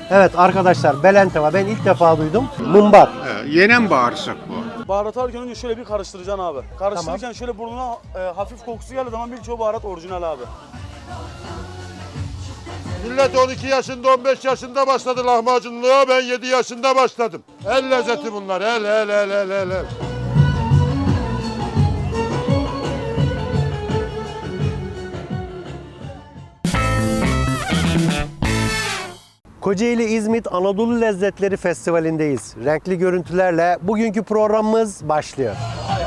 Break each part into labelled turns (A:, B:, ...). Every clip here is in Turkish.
A: Evet arkadaşlar, belentava ben ilk defa duydum. Mumbar.
B: Yenen bağırsak bu.
C: Baharat alırken önce şöyle bir karıştıracaksın abi. Karıştırırken şöyle burnuna hafif kokusu geldiği zaman birçoğu baharat orijinal abi.
B: Millet 12 yaşında 15 yaşında başladı lahmacunluğa, ben 7 yaşında başladım. El lezzeti bunlar, el.
A: Kocaeli İzmit Anadolu Lezzetleri Festivali'ndeyiz. Renkli görüntülerle bugünkü programımız başlıyor.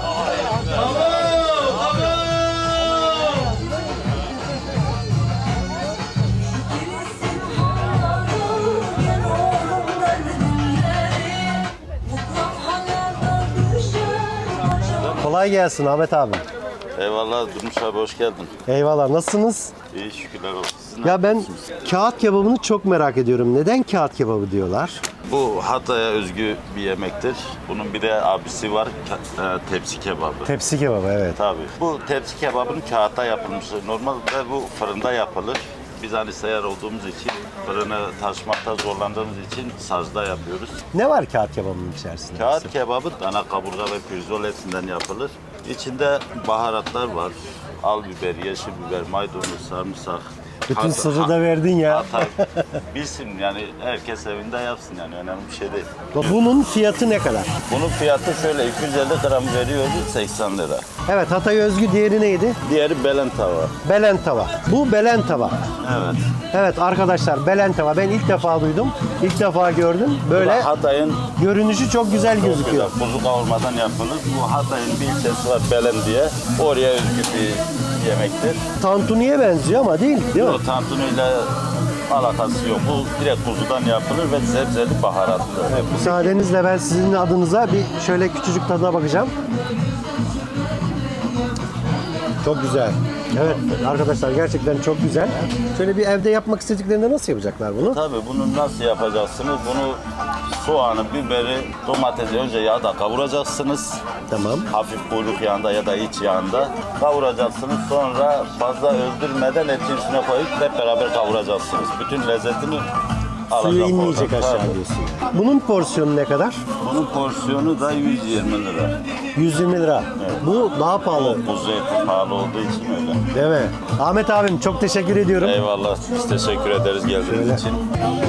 A: Kolay gelsin Ahmet abi.
D: Eyvallah Durmuş abi, hoş geldin.
A: Eyvallah, nasılsınız?
D: İyi, şükürler olsun. Siz
A: Ya ben kağıt kebabını çok merak ediyorum. Neden kağıt kebabı diyorlar?
D: Bu Hatay'a özgü bir yemektir. Bunun bir de abisi var, tepsi kebabı.
A: Tepsi kebabı, evet.
D: Tabii. Bu tepsi kebabının kağıtta yapılmışı. Normalde bu fırında yapılır. Biz hani seyyar olduğumuz için, fırını taşımakta zorlandığımız için sazda yapıyoruz.
A: Ne var kağıt kebabının içerisinde?
D: Kağıt kebabı dana kaburga ve pirzol etinden yapılır. İçinde baharatlar var. Al biber, yeşil biber, maydanoz, sarımsak.
A: Bütün sırrı da verdin ya.
D: Hatay bilsin yani, herkes evinde yapsın yani, önemli bir şey değil.
A: Bunun fiyatı ne kadar?
D: Bunun fiyatı şöyle 250 gram veriyoruz 80 lira.
A: Evet, Hatay özgü, diğeri neydi?
D: Diğeri belentava.
A: Belentava. Bu belentava.
D: Evet.
A: Evet arkadaşlar, belentava ben ilk defa duydum. İlk defa gördüm. Böyle
D: Hatay'ın
A: görünüşü çok güzel gözüküyor.
D: kuzu kavurmadan yapılır. Bu Hatay'ın bir ilçesi var Belen diye. Oraya özgü bir yemektir.
A: Tantuniye benziyor ama değil mi?
D: O tantunuyla alakası yok. Bu direkt kuzudan yapılır ve sebzeli baharatlı.
A: Müsaadenizle ben sizin adınıza bir şöyle küçücük tadına bakacağım. Çok güzel. Evet arkadaşlar, gerçekten çok güzel. Şöyle bir evde yapmak istediklerinde nasıl yapacaklar bunu?
D: Tabii bunu nasıl yapacaksınız? Bunu soğanı, biberi, domatesi önce yağda kavuracaksınız.
A: Tamam.
D: Hafif kuyruk yağında ya da iç yağında kavuracaksınız. Sonra fazla öldürmeden etin üstüne koyup hep beraber kavuracaksınız. Bütün lezzetini alacak.
A: Suyu inmeyecek
D: oradan.
A: aşağı
D: Tabii.
A: diyorsun. Bunun porsiyonu ne kadar?
D: Bunun porsiyonu da 120 lira.
A: 120 lira.
D: Evet.
A: Bu daha pahalı.
D: O kuzu eti pahalı olduğu için öyle.
A: Değil mi? Ahmet abim çok teşekkür ediyorum.
D: Eyvallah. Biz teşekkür ederiz geldiğiniz
A: Şöyle.
D: için.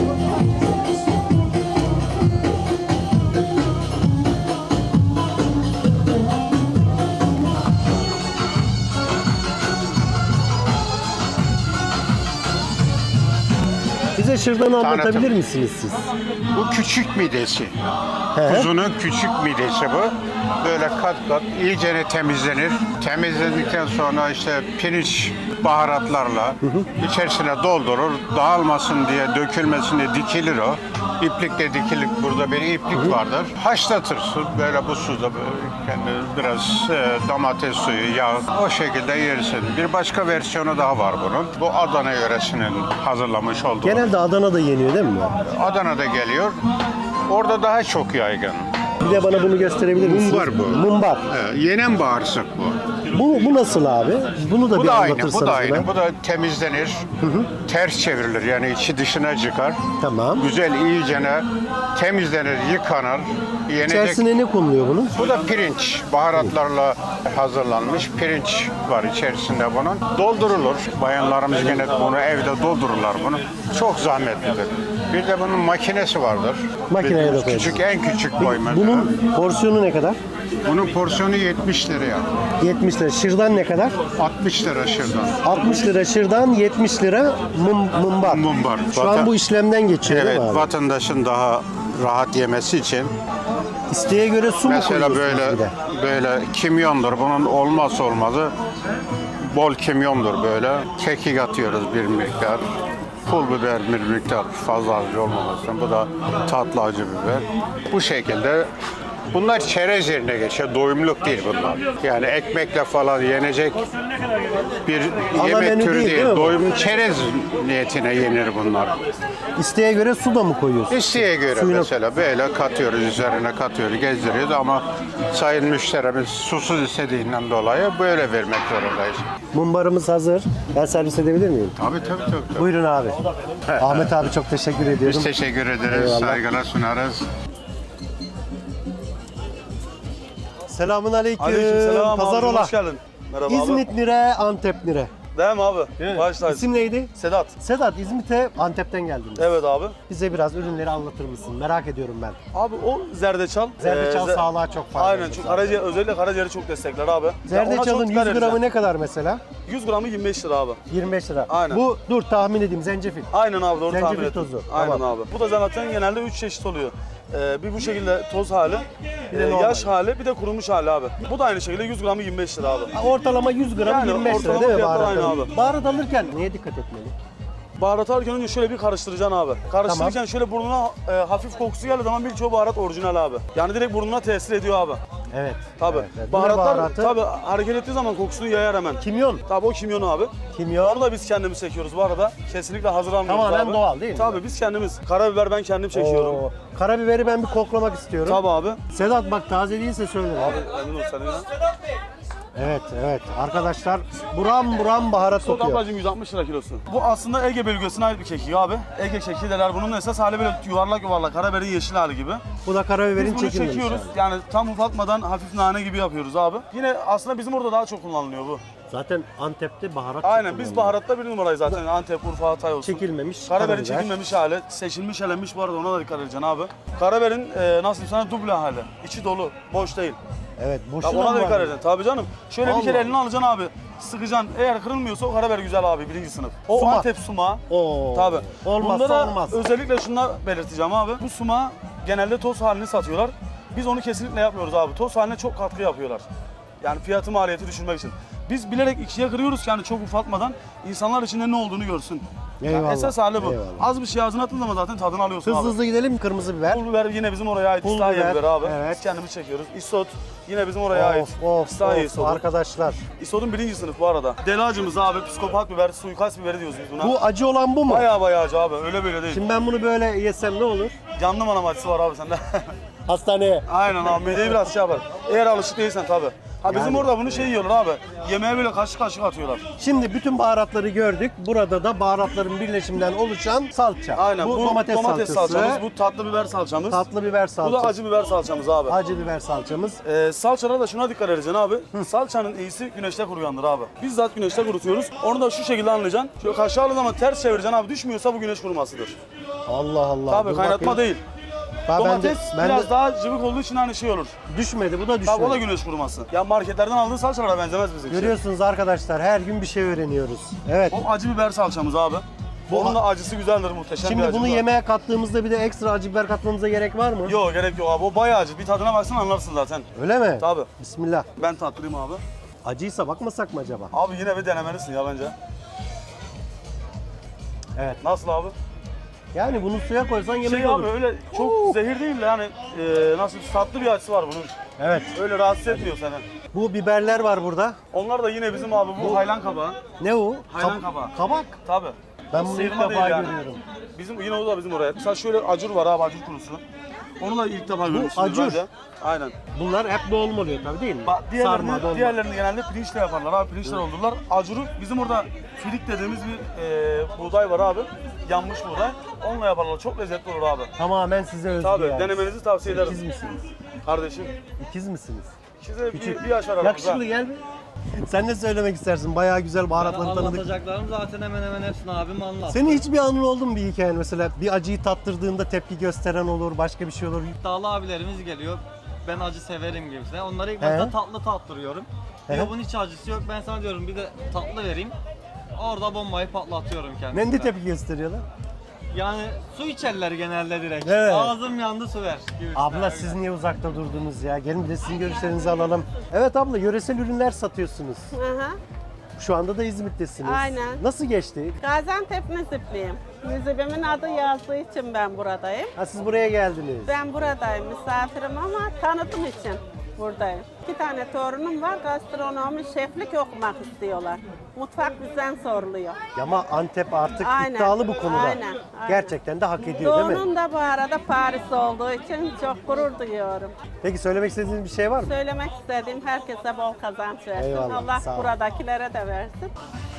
A: Bize şırdanı anlatabilir misiniz siz?
B: Bu küçük midesi.
A: He.
B: Kuzunun küçük midesi bu. Böyle kat kat iyicene temizlenir. Temizlendikten sonra işte pirinç baharatlarla içerisine doldurur. Dağılmasın diye, dökülmesin diye dikilir o. İplikle dikilir. Burada bir iplik vardır. Haşlatırsın böyle bu suda böyle kendi biraz domates suyu, yağ, o şekilde yersin. Bir başka versiyonu daha var bunun. Bu Adana yöresinin hazırlamış olduğu.
A: Genelde Adana'da yeniyor değil mi?
B: Adana'da geliyor. Orada daha çok yaygın.
A: Bir de bana bunu gösterebilir misiniz?
B: Mumbar bu.
A: Mumbar.
B: Yenen bağırsak bu.
A: Bu nasıl abi? Bunu da
B: Bu
A: bir
B: da aynı,
A: anlatırsanız
B: bu da aynı.
A: bana.
B: Bu da temizlenir, ters çevrilir yani içi dışına çıkar.
A: Tamam.
B: Güzel iyicene temizlenir, yıkanır, yenecek.
A: İçerisine ne konuluyor bunun?
B: Bu da pirinç, baharatlarla hazırlanmış pirinç var içerisinde bunun. Doldurulur. Bayanlarımız gene bunu evde doldururlar bunu. Çok zahmetlidir. Bir de bunun makinesi vardır.
A: Makineye de
B: Bildiğimiz
A: koyuyorsunuz.
B: küçük, en küçük boy mesela.
A: Bunun porsiyonu ne kadar?
B: Bunun porsiyonu 70 liraya.
A: 70 lira. Şırdan ne kadar?
B: 60 lira şırdan.
A: 60 lira şırdan, 70 lira mumbar.
B: Mumbar.
A: Şu an bu işlemden geçiyor
B: Evet,
A: değil mi abi?
B: vatandaşın daha rahat yemesi için.
A: İsteğe göre su mu
B: Mesela
A: koyuyorsunuz
B: böyle
A: bir de?
B: böyle kimyondur. Bunun olmazsa olmazı bol kimyondur böyle. Kekik atıyoruz bir miktar. Pul biber bir miktar, fazla acı olmaması için. Bu da tatlı acı biber. Bu şekilde Bunlar çerez yerine geçiyor. Doyumluk değil bunlar. Yani ekmekle falan yenecek bir
A: Ana
B: yemek
A: menü
B: türü
A: değil,
B: değil.
A: değil mi bu?
B: Doyum çerez niyetine yenir bunlar.
A: İsteğe göre su da mı koyuyorsun?
B: İsteğe göre
A: Suyuna-
B: mesela böyle katıyoruz, üzerine katıyoruz, gezdiriyoruz ama sayın müşterimiz susuz istediğinden dolayı böyle vermek zorundayız.
A: Mumbarımız hazır. Ben servis edebilir miyim?
B: Tabii.
A: Buyurun abi. Ahmet abi çok teşekkür ediyorum.
B: Biz teşekkür ederiz,
A: Eyvallah.
B: saygılar sunarız.
A: Selamun aleyküm.
C: Aleykümselam abi,
A: Pazarola.
C: hoş geldin. Merhaba
A: İzmit nire, Antep nire.
C: abi. Değil mi abi? Başlayız.
A: İsim neydi?
C: Sedat.
A: Sedat, İzmit'e Antep'ten geldiniz.
C: Evet abi.
A: Bize biraz ürünleri anlatır mısın? Merak ediyorum ben.
C: Abi o zerdeçal.
A: Zerdeçal
C: ze-
A: sağlığa çok faydalı.
C: Aynen çünkü karaciğer, özellikle karaciğeri çok destekler abi. Ya ona
A: Zerdeçalın
C: çok
A: 100
C: dikkat
A: gramı
C: edeceğim.
A: ne kadar mesela?
C: 100 gramı 25 lira abi.
A: 25 lira.
C: Aynen.
A: Bu dur tahmin edeyim zencefil.
C: Aynen abi doğru
A: Zencefil
C: tahmin ettin.
A: tozu.
C: Aynen
A: Tamam.
C: abi. Bu da zaten genelde 3 çeşit oluyor. Bir bu şekilde toz hali,
A: Bir de normal.
C: yaş hali, bir de kurumuş hali abi. Bu da aynı şekilde 100 gramı 25 lira abi.
A: Ortalama 100 gram
C: Yani
A: 25 lira
C: ortalama
A: değil mi
C: fiyatlar
A: baharat?
C: aynı abi.
A: Baharat alırken neye dikkat etmeli?
C: Baharat alırken önce şöyle bir karıştıracaksın abi. Karıştırırken şöyle burnuna hafif kokusu geldiği zaman birçok baharat orijinal abi. Yani direkt burnuna tesir ediyor abi.
A: Evet.
C: Tabii.
A: Evet, evet.
C: Baharatlar
A: Ne baharatı?
C: tabii hareket ettiği zaman kokusunu yayar hemen.
A: Kimyon.
C: Tabii o kimyon abi.
A: Kimyon.
C: Onu da biz kendimiz çekiyoruz bu arada. Kesinlikle hazır almıyoruz
A: Tamamen
C: abi.
A: doğal değil mi?
C: Tabii biz kendimiz. Karabiber ben kendim çekiyorum.
A: Oo, karabiberi ben bir koklamak istiyorum.
C: Tabii abi.
A: Sedat bak taze değilse söyle.
C: Emin ol senin ya.
A: Evet evet arkadaşlar buram buram baharat
C: Soğuk
A: kokuyor.
C: ablacığım 160 lira kilosu. Bu aslında Ege bölgesine ait bir kekik abi. Ege kekiği derler. Bunun esas hali böyle yuvarlak yuvarlak karabiberin yeşil hali gibi.
A: Bu da karabiberin
C: Biz bunu
A: çekilmemiş
C: çekiyoruz.
A: yani.
C: Yani tam ufaltmadan hafif nane gibi yapıyoruz abi. Yine aslında bizim orada daha çok kullanılıyor bu.
A: Zaten Antep'te baharat
C: Aynen
A: çok
C: biz
A: kullanılıyor.
C: baharatta bir numarayız zaten. Antep, Urfa, Hatay olsun.
A: Çekilmemiş
C: Karabiberin
A: karabiber.
C: çekilmemiş hali, seçilmiş elenmiş bu arada ona da dikkat edeceksin abi. Karabiberin nasıl diyeyim sana duble hali. İçi dolu, boş değil.
A: Evet
C: Ya
A: boşuna
C: ona da
A: mı
C: dikkat
A: var?
C: edeceksin. Tabii canım. Şöyle
A: Allah
C: bir kere
A: Allah.
C: eline alacaksın abi. Sıkacaksın. Eğer kırılmıyorsa o karabiber güzel abi birinci sınıf. O
A: Sumak.
C: Antep sumağı.
A: Oo.
C: Tabii.
A: Olmazsa
C: Bunda da
A: olmaz.
C: özellikle şunu belirteceğim abi. Bu sumağı genelde toz halini satıyorlar. Biz onu kesinlikle yapmıyoruz abi. Toz haline çok katkı yapıyorlar. Yani fiyatı maliyeti düşürmek için. Biz bilerek ikiye kırıyoruz ki yani çok ufaltmadan insanlar içinde ne olduğunu görsün. Yani
A: Eyvallah,
C: esas hali bu.
A: eyvallah.
C: Az bir şey ağzına attığın zaman zaten tadını alıyorsun
A: Hızlı
C: abi.
A: hızlı gidelim kırmızı biber.
C: Pul biber yine bizim oraya ait
A: Pul
C: İslahiye
A: biber,
C: biberi abi.
A: evet.
C: Biz kendimiz çekiyoruz. Isot yine bizim oraya ait.
A: Of
C: İslahiye
A: of
C: isotu.
A: arkadaşlar.
C: İsotun birinci sınıf bu arada. Deli acımız abi, psikopat biber, suikast biberi diyoruz biz buna.
A: Bu acı olan bu mu?
C: Bayağı acı abi, öyle böyle değil.
A: Şimdi ben bunu böyle yesem ne olur?
C: Canlı manam acısı var abi sende.
A: Hastaneye.
C: Aynen abi, mideyi biraz şey yapar. Eğer alışık değilsen tabii. Ha bizim
A: Yani-
C: orada bunu şey yiyorlar abi, yemeğe böyle kaşık kaşık atıyorlar.
A: Şimdi bütün baharatları gördük. Burada da baharatların birleşiminden oluşan salça.
C: Aynen,
A: Bu domates salçası.
C: salçamız, bu tatlı biber salçamız.
A: Tatlı biber
C: Bu
A: salçası.
C: da acı biber salçamız abi.
A: Acı biber salçamız.
C: Salçalara da şuna dikkat edeceksin abi. Salçanın iyisi güneşte kuruyandır abi. Bizzat güneşte kurutuyoruz. Onu da şu şekilde anlayacaksın. Şöyle kaşığı aldığın zaman ters çevireceksin abi. Düşmüyorsa bu güneş kurumasıdır.
A: Allah Allah.
C: Tabii
A: Dur
C: kaynatma
A: bakayım.
C: değil.
A: Ben
C: Domates
A: de
C: biraz daha cıvık olduğu için hani şey olur.
A: düşmedi. Bu da düşmedi.
C: Tabii o da güneş kuruması. Ya marketlerden aldığın salçalara benzemez bizimki.
A: Görüyorsunuz arkadaşlar her gün bir şey öğreniyoruz. Evet.
C: O acı biber salçamız abi. Onun da acısı güzeldir, muhteşem bir
A: Şimdi
C: acı
A: bunu
C: var.
A: yemeğe kattığımızda bir de ekstra acı biber katmamıza gerek var mı?
C: Yok gerek yok abi. O bayağı acı. Bir tadına baksan anlarsın zaten.
A: Öyle mi?
C: Tabii.
A: Bismillah.
C: Ben tatlıyım abi.
A: Acıysa bakmasak mı acaba?
C: Abi yine bir denemelisin ya bence.
A: Evet.
C: Nasıl abi?
A: Yani bunu suya koysan yemek
C: Şey
A: olur.
C: abi öyle çok zehir değil de yani nasıl tatlı bir acısı var bunun.
A: Evet.
C: Öyle rahatsız etmiyor seni.
A: Bu biberler var burada.
C: Onlar da yine bizim abi bu haylan kabağı.
A: Ne o?
C: Hayvan kabağı.
A: Kabak.
C: Tabii.
A: Ben bunu ilk
C: Sıyırma
A: defa
C: değil yani.
A: görüyorum.
C: Bizim yine o da bizim oraya. Mesela şöyle acur var abi, acur kurusu. Onu da ilk defa görmüşsünüz
A: acur.
C: bence. Aynen.
A: Bunlar hep dolma oluyor tabii değil mi? Sarma,
C: Diğerlerini,
A: dolma.
C: diğerlerini genelde pirinçle yaparlar abi, pirinçle doldururlar. Acuru bizim orada filik dediğimiz bir buğday var abi. Yanmış buğday. Onunla yaparlar. Çok lezzetli olur abi.
A: Tamamen size özgü
C: Tabii
A: yani.
C: denemenizi tavsiye ederim.
A: İkiz misiniz?
C: Kardeşim.
A: İkiz misiniz?
C: İkisi bir yaş aramızda.
A: Yakışıklı gel bir. Sen ne söylemek istersin? Bayağı güzel baharatları tanıdık.
E: Anlatacaklarım zaten hemen hemen hepsini abim anlattı.
A: Senin hiçbir anın oldu mu bir hikayen mesela? Bir acıyı tattırdığında tepki gösteren olur, başka bir şey olur.
E: İddialı abilerimiz geliyor. Ben acı severim gibisine. Onları ilk
A: He.
E: başta tatlı tattırıyorum.
A: He.
E: Diyor bunun hiç acısı yok. Ben sana diyorum bir de tatlı vereyim. Orada bombayı patlatıyorum kendisine.
A: Ne tepki gösteriyorlar?
E: Yani su içerler genelde direkt.
A: Evet.
E: Ağzım yandı su ver gibisine.
A: Abla siz niye uzakta durdunuz ya? Gelin bir de sizin görüşlerinizi alalım. Evet abla yöresel ürünler satıyorsunuz.
F: Aha.
A: Şu anda da İzmit'tesiniz.
F: Aynen.
A: Nasıl geçti?
F: Gaziantep Nizipliyim. Nizipimin adı yazdığı için ben buradayım.
A: Ha, siz buraya geldiniz.
F: Ben buradayım, misafirim ama tanıtım için buradayım. 2 tane torunum var, gastronomi, şeflik okumak istiyorlar. Mutfak bizden soruluyor.
A: Ya ama Antep artık
F: Aynen,
A: iddialı bu konuda.
F: aynen.
A: Gerçekten de hak ediyor değil mi?
F: Doğu'nun da bu arada Paris olduğu için çok gurur duyuyorum.
A: Peki söylemek istediğiniz bir şey var mı?
F: Söylemek istediğim herkese bol kazanç versin.
A: Eyvallah,
F: Allah
A: sağ ol.
F: buradakilere de versin.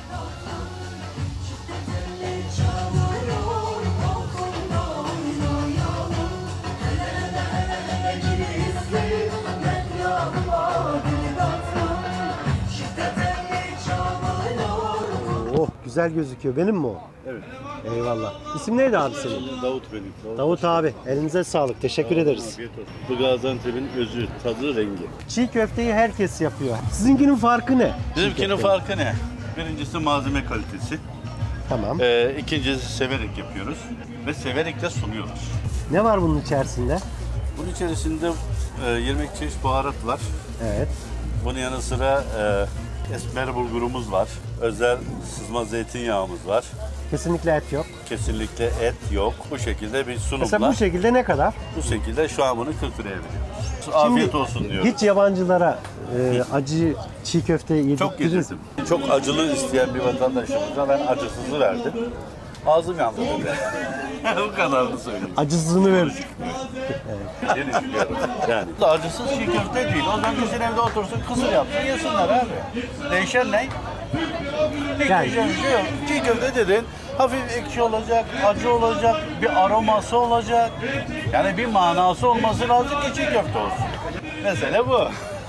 A: Oh, güzel gözüküyor. Benim mi o?
G: Evet.
A: Eyvallah. İsim neydi abi senin?
G: Davut benim.
A: Davut abi. Elinize sağlık. Teşekkür ederiz.
G: Afiyet olsun. Bu Gaziantep'in özü, tadı, rengi.
A: Çiğ köfteyi herkes yapıyor. Sizinkinin farkı ne?
G: Bizimkinin
A: Çiğ köftenin.
G: farkı ne? Birincisi malzeme kalitesi.
A: Tamam.
G: İkincisi severek yapıyoruz ve severek de sunuyoruz.
A: Ne var bunun içerisinde?
G: Bunun içerisinde 20 çeşit baharat var.
A: Evet.
G: Bunun yanı sıra esmer bulgurumuz var. Özel sızma zeytinyağımız var.
A: Kesinlikle et yok.
G: Kesinlikle et yok. Bu şekilde bir sunumla.
A: Mesela bu şekilde ne kadar?
G: Bu şekilde şu an bunu 40 liraya veriyoruz. Afiyet olsun diyoruz.
A: Hiç yabancılara acı çiğ köfte
G: Çok
A: yedirdiniz.
G: yedirdim. Çok acılı isteyen bir vatandaşımıza ben acısızı verdim. Ağzım yandı dedi. Bu kadarını söyleyeyim.
A: Acısını verir.
G: Yeni çıkıyorum. Yani. Acısız çiğ köfte değil. O zaman kişinin evde otursun, kısır yapsın, yesinler abi. Değişen ne? Hiç
A: Yani-
G: değişen bir şey yok. Çiğ köfte dedin, hafif ekşi olacak, acı olacak, bir aroması olacak. Yani bir manası olması lazım ki çiğ köfte olsun. Mesele bu.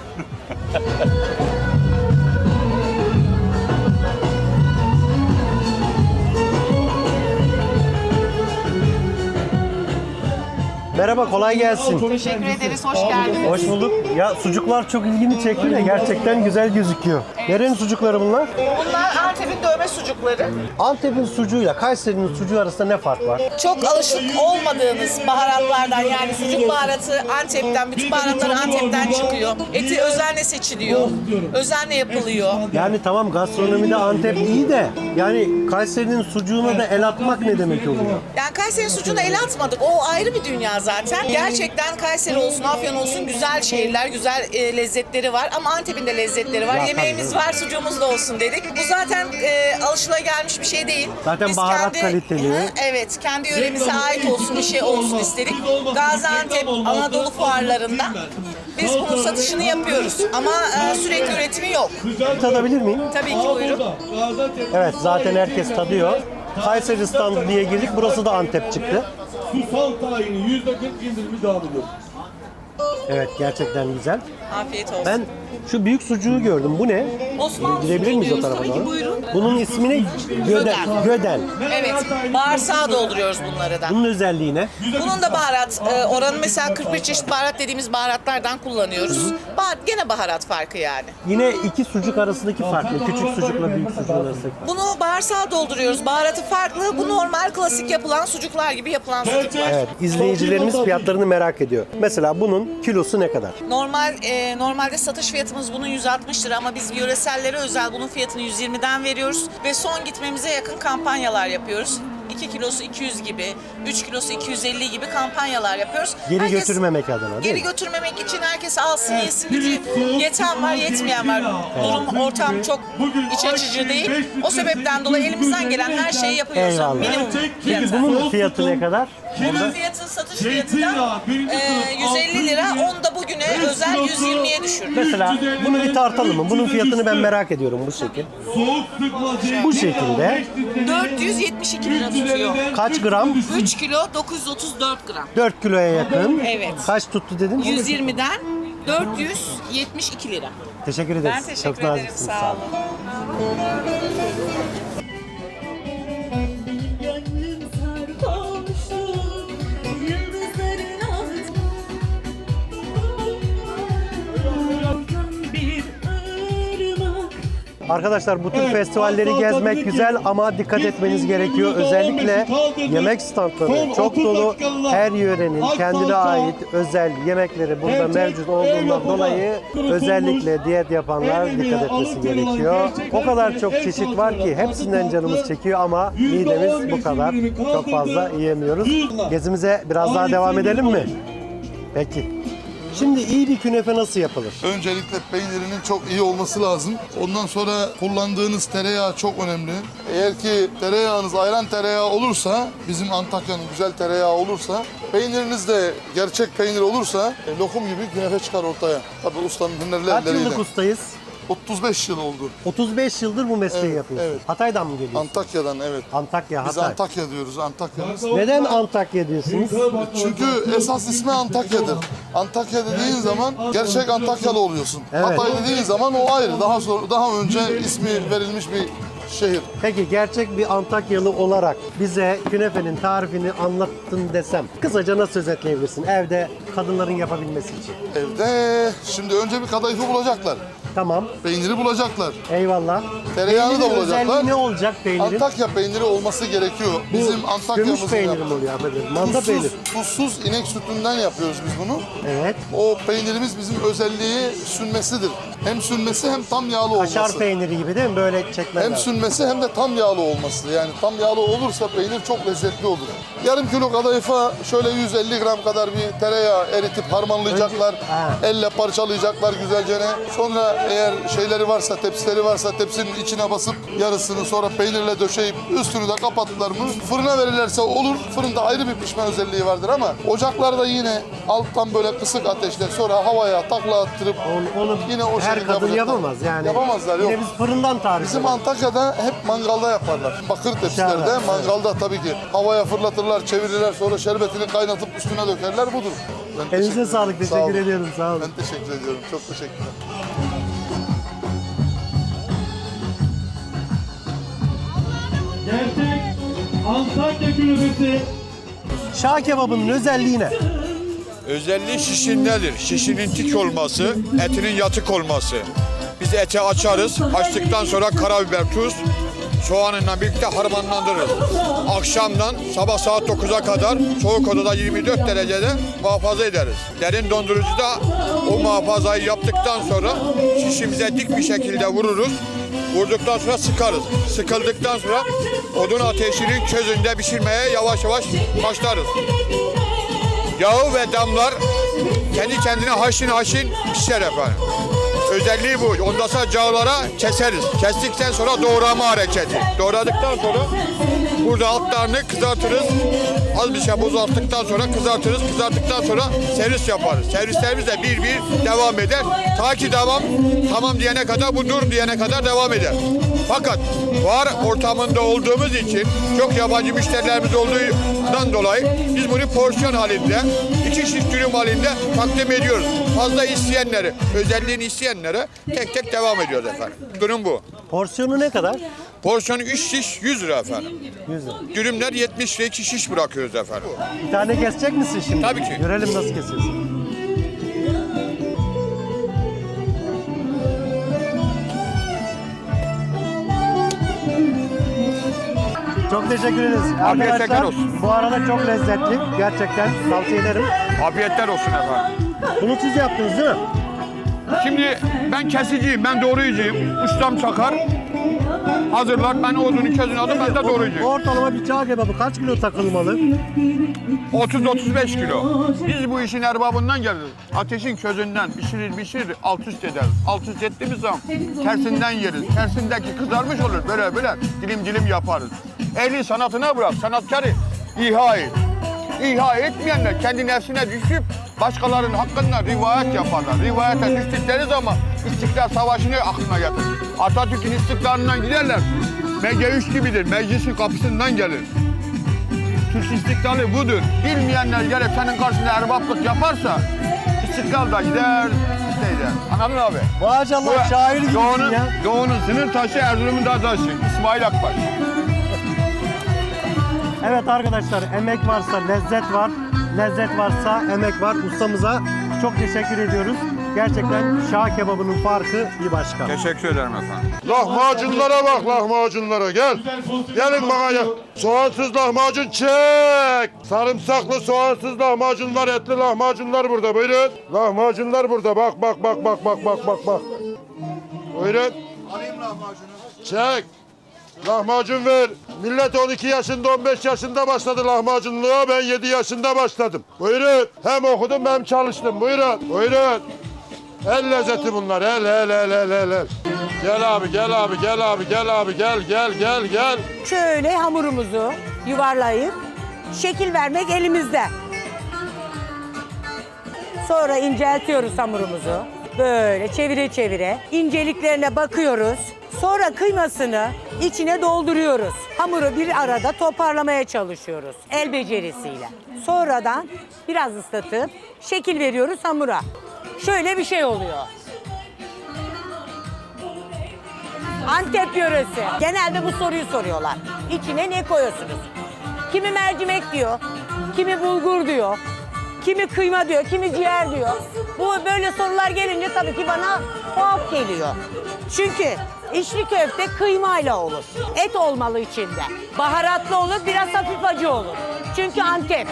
A: Merhaba, kolay gelsin.
H: Teşekkür ederiz, hoş geldiniz.
A: Hoş bulduk. Ya sucuklar çok ilgimi çekti de gerçekten güzel gözüküyor. Nerenin sucukları bunlar?
H: Bunlar Antep'in dövme sucukları.
A: Antep'in sucuğuyla Kayseri'nin sucuğu arasında ne fark var?
H: Çok alışık olmadığınız baharatlardan, yani sucuk baharatı Antep'ten, bütün baharatlar Antep'ten çıkıyor. Eti özenle seçiliyor, özenle yapılıyor.
A: Yani tamam, gastronomide Antep iyi de yani Kayseri'nin sucuğuna da el atmak ne demek oluyor?
H: Yani Kayseri sucuğuna el atmadık, o ayrı bir dünya zaten. Gerçekten Kayseri olsun, Afyon olsun güzel şehirler, güzel lezzetleri var ama Antep'in de lezzetleri var.
A: Ya,
H: Yemeğimiz
A: tabii.
H: var, sucuğumuz da olsun dedik. Bu zaten alışılagelmiş bir şey değil.
A: Zaten baharat kaliteli.
H: Hı, evet, kendi yöremize ait olsun, bir şey olsun istedik. Gaziantep, Anadolu fuarlarında biz bunun satışını yapıyoruz ama sürekli üretimi yok.
A: Tadabilir miyim?
H: Tabii ki, buyurun.
A: Evet, zaten herkes tadıyor. Kayseri standı diye girdik. Burası da Antep çıktı.
I: Susam tayini %40 indirimi devam ediyor.
A: Evet, gerçekten güzel.
H: Afiyet olsun.
A: Ben şu büyük sucuğu gördüm. Bu ne?
H: Osmanlı
A: Gidebilir
H: sucuğu
A: miyiz o
H: diyoruz.
A: tarafa
H: Tabii ki,
A: doğru?
H: buyurun.
A: Bunun ismi ne? Göden. Göden.
H: Evet, bağırsağa dolduruyoruz bunları da.
A: Bunun özelliği ne?
H: Bunun da baharat oranı mesela 41 çeşit baharat dediğimiz baharatlardan kullanıyoruz. Gene baharat farkı yani.
A: Yine iki sucuk arasındaki fark ne? Küçük sucukla büyük sucuk arasındaki fark.
H: Bunu bağırsağa dolduruyoruz. Baharatı farklı. Bu normal klasik yapılan sucuklar gibi yapılan sucuklar.
A: Evet, izleyicilerimiz fiyatlarını merak ediyor. Mesela bunun kilosu ne kadar?
H: Normalde satış fiyatımız bunun 160 lira ama biz yöresellere özel bunun fiyatını 120'den veriyoruz ve son gitmemize yakın kampanyalar yapıyoruz. 2 kilosu 200 gibi, 3 kilosu 250 gibi kampanyalar yapıyoruz.
A: Geri götürmemek adına değil
H: Geri
A: mi?
H: götürmemek için herkes alsın, yesin, gücü yeten var, yetmeyen var. Durum, ortam çok iç açıcı değil. O sebepten dolayı elimizden gelen her şeyi yapıyoruz.
A: Eyvallah.
H: Minimum
A: Peki
H: fiyata.
A: bunun fiyatı ne kadar?
H: Bunun fiyatı satış fiyatı da 150 lira. Onu da bugüne özel 120'ye düşürdük.
A: Mesela bunu bir tartalım mı? Bunun fiyatını ben merak ediyorum bu şekil. Bu şekilde
H: 472 lira tutuyor.
A: kaç gram?
H: 3 kilo 934 gram.
A: 4 kiloya yakın.
H: Evet.
A: Kaç tuttu dedin?
H: 120'den 472 lira.
A: Teşekkür ederiz.
H: Ben teşekkür
A: Çok
H: ederim.
A: naziksiniz.
H: Sağ olun.
J: Gönlüm sarhoştu yıldızların altında bir ırmak.
A: Arkadaşlar bu tür festivalleri gezmek güzel ama dikkat etmeniz gerekiyor. Özellikle yemek standları çok dolu. Her yörenin kendine ait özel yemekleri burada mevcut olduğundan dolayı özellikle diyet yapanlar dikkat etmesi gerekiyor. O kadar çok çeşit var ki hepsinden canımız çekiyor ama midemiz bu kadar. Çok fazla yiyemiyoruz. Gezimize biraz daha devam edelim mi? Peki. Şimdi iyi bir künefe nasıl yapılır?
K: Öncelikle peynirinin çok iyi olması lazım. Ondan sonra kullandığınız tereyağı çok önemli. Eğer ki tereyağınız ayran tereyağı olursa, bizim Antakya'nın güzel tereyağı olursa, peyniriniz de gerçek peynir olursa lokum gibi künefe çıkar ortaya. Tabii ustanın hünerli
A: Kaç
K: elleriyle.
A: yıllık ustayız?
K: 35 yıl oldu.
A: 35 yıldır bu mesleği
K: Evet,
A: yapıyorsun.
K: evet.
A: Hatay'dan mı geliyorsun?
K: Antakya'dan evet.
A: Antakya,
K: Biz
A: Hatay.
K: Antakya diyoruz, Antakya'mız.
A: Neden Antakya diyorsunuz?
K: Çünkü esas ismi Antakya'dır. Antakya dediğin zaman gerçek Antakyalı oluyorsun.
A: Evet.
K: Hatay dediğin zaman o ayrı. Daha önce ismi verilmiş bir şehir.
A: Peki gerçek bir Antakyalı olarak bize künefenin tarifini anlattın desem kısaca nasıl özetleyebilirsin evde kadınların yapabilmesi için?
K: Evde şimdi önce bir kadayıfı bulacaklar.
A: Tamam.
K: Peyniri bulacaklar.
A: Eyvallah.
K: Tereyağını da
A: Peynirin
K: bulacaklar.
A: özelliği ne olacak peynirin?
K: Antakya peyniri olması gerekiyor. Bizim
A: Gümüş
K: Antakya'mızın
A: peyniri mi oluyor affedersin? Manda peynir.
K: Tuzsuz inek sütünden yapıyoruz biz bunu.
A: Evet.
K: O peynirimiz bizim özelliği sünmesidir. Hem sünmesi hem tam yağlı olması.
A: Kaşar peyniri gibi değil mi? Böyle çekmez.
K: Hem sünmesi hem de tam yağlı olması. Yani tam yağlı olursa peynir çok lezzetli olur. Yarım kilo kadayıfa şöyle 150 gram kadar bir tereyağı eritip harmanlayacaklar. Elle parçalayacaklar güzelce. Sonra eğer şeyleri varsa, tepsileri varsa tepsinin içine basıp yarısını sonra peynirle döşeyip üstünü de kapattılar mı fırına verirlerse olur. Fırında ayrı bir pişme özelliği vardır ama ocaklarda yine alttan böyle kısık ateşle sonra havaya takla attırıp
A: Onu
K: yine o
A: her
K: şekilde
A: kadın
K: yapacaklar.
A: yapamaz yani.
K: Yapamazlar yok.
A: Yine biz fırından tarif
K: Bizim
A: ediyoruz.
K: Antakya'da hep mangalda yaparlar. Bakır tepsilerde
A: Dışarıda,
K: mangalda tabii ki. Havaya fırlatırlar, çevirirler sonra şerbetini kaynatıp üstüne dökerler budur. Ben
A: Elinize
K: teşekkür
A: sağlık.
K: ederim. Sağ olun.
A: Teşekkür ediyorum. Sağ olun.
K: Ben teşekkür ediyorum. Çok teşekkürler.
I: Gerçek Antakya künefesi.
A: Şah kebabının özelliği ne?
L: Özelliği şişindedir. Şişinin tik olması, etinin yatık olması. Biz eti açarız. Açtıktan sonra karabiber, tuz, soğanıyla birlikte harmanlandırırız. Akşamdan sabah saat 9'a kadar soğuk odada 24 derecede muhafaza ederiz. Derin dondurucuda o muhafazayı yaptıktan sonra şişimize dik bir şekilde vururuz. Vurduktan sonra sıkarız. Sıkıldıktan sonra odun ateşinin közünde pişirmeye yavaş yavaş başlarız. Yağı ve damlar kendi kendine haşin pişer efendim. Özelliği bu. Ondan sonra yağlara keseriz. Kestikten sonra doğrama hareketi. Doğradıktan sonra burada altlarını kızartırız. Az bir şey bozalttıktan sonra kızartırız. Kızarttıktan sonra servis yaparız. Servislerimiz de bir devam eder. Ta ki tamam diyene kadar, bu dur diyene kadar devam eder. Fakat fuar ortamında olduğumuz için çok yabancı müşterilerimiz olduğundan dolayı biz bunu porsiyon halinde, 2 şiş dürüm halinde takdim ediyoruz. Fazla isteyenleri, özelliğini isteyenlere tek tek devam ediyoruz efendim. Durum bu.
A: Porsiyonu ne kadar?
L: Porsiyonu 3 şiş 100 lira efendim.
A: 100 lira.
L: Dürümler 70 lira 2 şiş bırakıyoruz efendim.
A: Bir tane kesecek misin şimdi?
L: Tabii ki.
A: Görelim nasıl kesiyorsun. Çok teşekkür ederiz.
L: Afiyet
A: Arkadaşlar
L: şeker olsun.
A: bu arada çok lezzetli. Gerçekten tavsiye ederim.
L: Afiyetler olsun efendim.
A: Bunu siz yaptınız değil mi?
L: Şimdi ben kesiciyim, ben doğrayıcıyım. Ustam çakar, hazırlar. Ben odunu közünü aldım, ben de doğrayıcıyım.
A: Ortalama bir çağ kebabı kaç kilo takılmalı?
L: 30-35 kilo. Biz bu işin erbabından geliriz. Ateşin közünden pişirir, alt üst ederiz. Alt üst ettiğimiz zaman tersinden yeriz. Tersindeki kızarmış olur, böyle dilim yaparız. Ehli sanatına bırak, sanatkarı İHA et. İHA etmeyenler kendi nefsine düşüp başkalarının hakkında rivayet yaparlar. Rivayete düştükleri zaman İstiklal Savaşı'nı aklına getirir. Atatürk'ün istiklalından giderler. MG3 gibidir, meclisin kapısından gelir. Türk istiklali budur. Bilmeyenler gelip senin karşında erbaplık yaparsa istiklal da gider. Anladın abi?
A: Maşallah şair gibisin ya.
L: Doğu'nun sınır taşı, Erzurum'un da taşı. İsmail Akbaş.
A: Evet arkadaşlar, emek varsa lezzet var. Lezzet varsa emek var. Ustamıza çok teşekkür ediyoruz. Gerçekten şah kebabının farkı bir başka.
L: Teşekkür ederim efendim.
K: Lahmacunlara bak, lahmacunlara gel. Gelin bana gel. Soğansız lahmacun çek. Sarımsaklı soğansız lahmacunlar, etli lahmacunlar burada. Buyurun. Lahmacunlar burada. Bak bak bak bak bak bak bak bak. Buyurun. Alayım lahmacunu. Çek. Lahmacun ver. Millet 12 yaşında 15 yaşında başladı lahmacunluğa. Ben 7 yaşında başladım. Buyurun. Hem okudum hem çalıştım. Buyurun. Buyurun. El lezzeti bunlar. El. Gel abi, gel abi, gel abi, gel abi, gel.
M: Şöyle hamurumuzu yuvarlayıp şekil vermek elimizde. Sonra inceltiyoruz hamurumuzu. Böyle çevire çevire inceliklerine bakıyoruz. Sonra kıymasını içine dolduruyoruz. Hamuru bir arada toparlamaya çalışıyoruz el becerisiyle. Sonradan biraz ıslatıp şekil veriyoruz hamura. Şöyle bir şey oluyor. Antep yöresi. Genelde bu soruyu soruyorlar. İçine ne koyuyorsunuz? Kimi mercimek diyor, kimi bulgur diyor, kimi kıyma diyor, kimi ciğer diyor. Bu böyle sorular gelince tabii ki bana tuhaf geliyor. Çünkü içli köfte kıymayla olur. Et olmalı içinde. Baharatlı olur, biraz hafif acı olur. Çünkü Antep.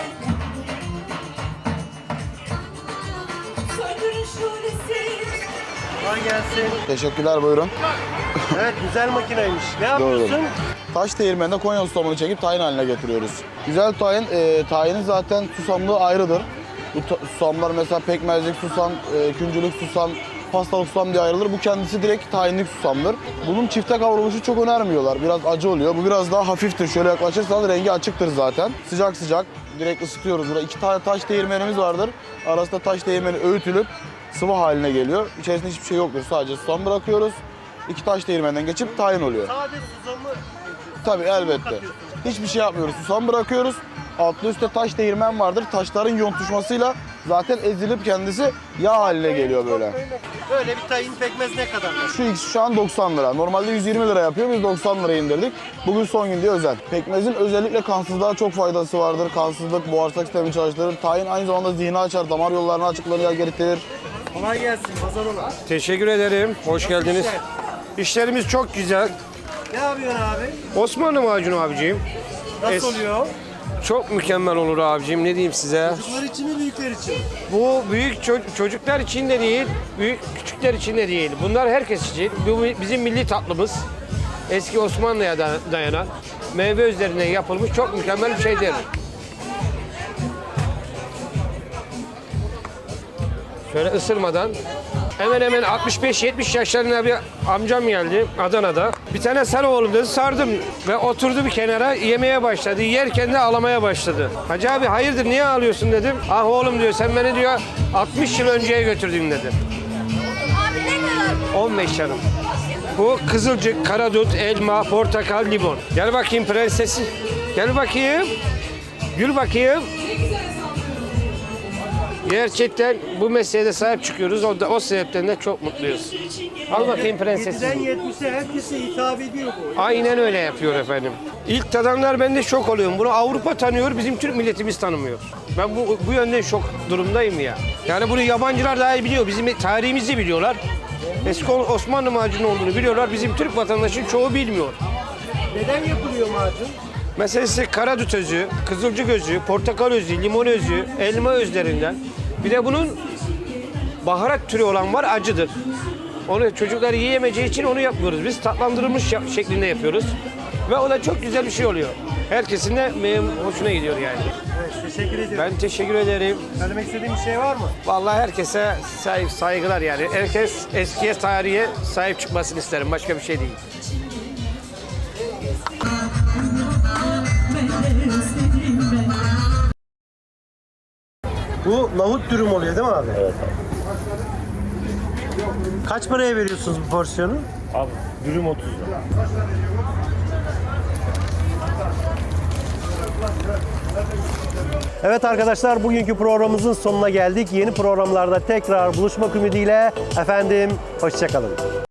A: Kolay gelsin.
N: Teşekkürler, buyurun.
A: Evet, güzel makineymiş. Ne yapıyorsun?
N: Taş değirmeninde Konya susamını çekip tayin haline getiriyoruz. Güzel tayin, tayinin zaten susamlığı ayrıdır. Bu susamlar mesela pekmezlik susam, küncülük susam, pastalık susam diye ayrılır. Bu kendisi direkt tayinlik susamdır. Bunun çifte kavruluşu çok önermiyorlar. Biraz acı oluyor. Bu biraz daha hafiftir. Şöyle yaklaşırsanız rengi açıktır zaten. Sıcak sıcak direkt ısıtıyoruz. Burada 2 tane taş değirmenimiz vardır. Arasında taş değirmeni öğütülüp sıvı haline geliyor. İçerisinde hiçbir şey yoktur. Sadece susam bırakıyoruz. 2 taş değirmenden geçip tayin oluyor.
A: Sadece susamı
N: Tabii elbette. Hiçbir şey yapmıyoruz. Susam bırakıyoruz. Altlı üstte taş değirmen vardır. Taşların yontuşmasıyla zaten ezilip kendisi yağ haline geliyor böyle.
A: Böyle bir tayin pekmez ne kadar?
N: Şu ikisi şu an 90 lira. Normalde 120 lira yapıyor. Biz 90 liraya indirdik. Bugün son gün diye özel. Pekmezin özellikle kansızlığa çok faydası vardır. Kansızlık, boğazlık sistemini çalıştırır. Tayin aynı zamanda zihni açar, damar yollarını açıklarını getirir.
A: Kolay gelsin, pazar ola.
O: Teşekkür ederim. Hoş geldiniz. İşlerimiz çok güzel.
A: Ne yapıyorsun abi?
O: Osmanlı macunu abiciğim.
A: Nasıl oluyor?
O: Çok mükemmel olur abiciğim. Ne diyeyim size?
A: Çocuklar için mi, büyükler için mi?
O: Bu büyük çocuklar için de değil, küçükler için de değil. Bunlar herkes için. Bu bizim milli tatlımız. Eski Osmanlı'ya dayanan meyve üzerinden yapılmış çok mükemmel bir şeydir. Şöyle ısırmadan. Hemen hemen 65-70 yaşlarında bir amcam geldi Adana'da. Bir tane sar oğlum dedi, sardım ve oturdu bir kenara yemeye başladı. Yerken de ağlamaya başladı. Hacı abi hayırdır niye ağlıyorsun dedim. Ah oğlum diyor sen beni diyor 60 yıl önceye götürdün dedi. Abi ne kadar? 15 yanım. Bu kızılcık, karadut, elma, portakal, limon. Gel bakayım prensesi. Gel bakayım. Gül bakayım. Gerçekten bu mesleğe sahip çıkıyoruz. O sebepten de çok mutluyuz. Al bakayım prensesim.
A: 7'den 70'e herkese hitap ediyor bu.
O: Aynen öyle yapıyor efendim. İlk tadanlar ben de şok oluyorum. Bunu Avrupa tanıyor, bizim Türk milletimiz tanımıyor. Ben bu yönden şok durumdayım ya. Yani bunu yabancılar daha iyi biliyor. Bizim tarihimizi biliyorlar. Eski Osmanlı macunu olduğunu biliyorlar. Bizim Türk vatandaşın çoğu bilmiyor.
A: Neden yapılıyor macun?
O: Mesela size karadut özü, kızılcık özü, portakal özü, limon özü, elma özlerinden. Bir de bunun baharat türü olan var, acıdır. Onu çocuklar yiyemeyeceği için onu yapmıyoruz. Biz tatlandırılmış şeklinde yapıyoruz. Ve o da çok güzel bir şey oluyor. Herkesin de hoşuna gidiyor yani.
A: Evet, teşekkür ediyorum.
O: Ben teşekkür ederim.
A: Söylemek istediğin bir şey var mı?
O: Vallahi herkese saygılar yani. Herkes eskiye, tarihe sahip çıkmasını isterim. Başka bir şey değil.
A: Bu nohut dürüm oluyor değil mi abi? Evet abi. Kaç paraya veriyorsunuz bu porsiyonu?
P: Abi dürüm 30 lira.
A: Evet arkadaşlar, bugünkü programımızın sonuna geldik. Yeni programlarda tekrar buluşmak ümidiyle efendim hoşça kalın.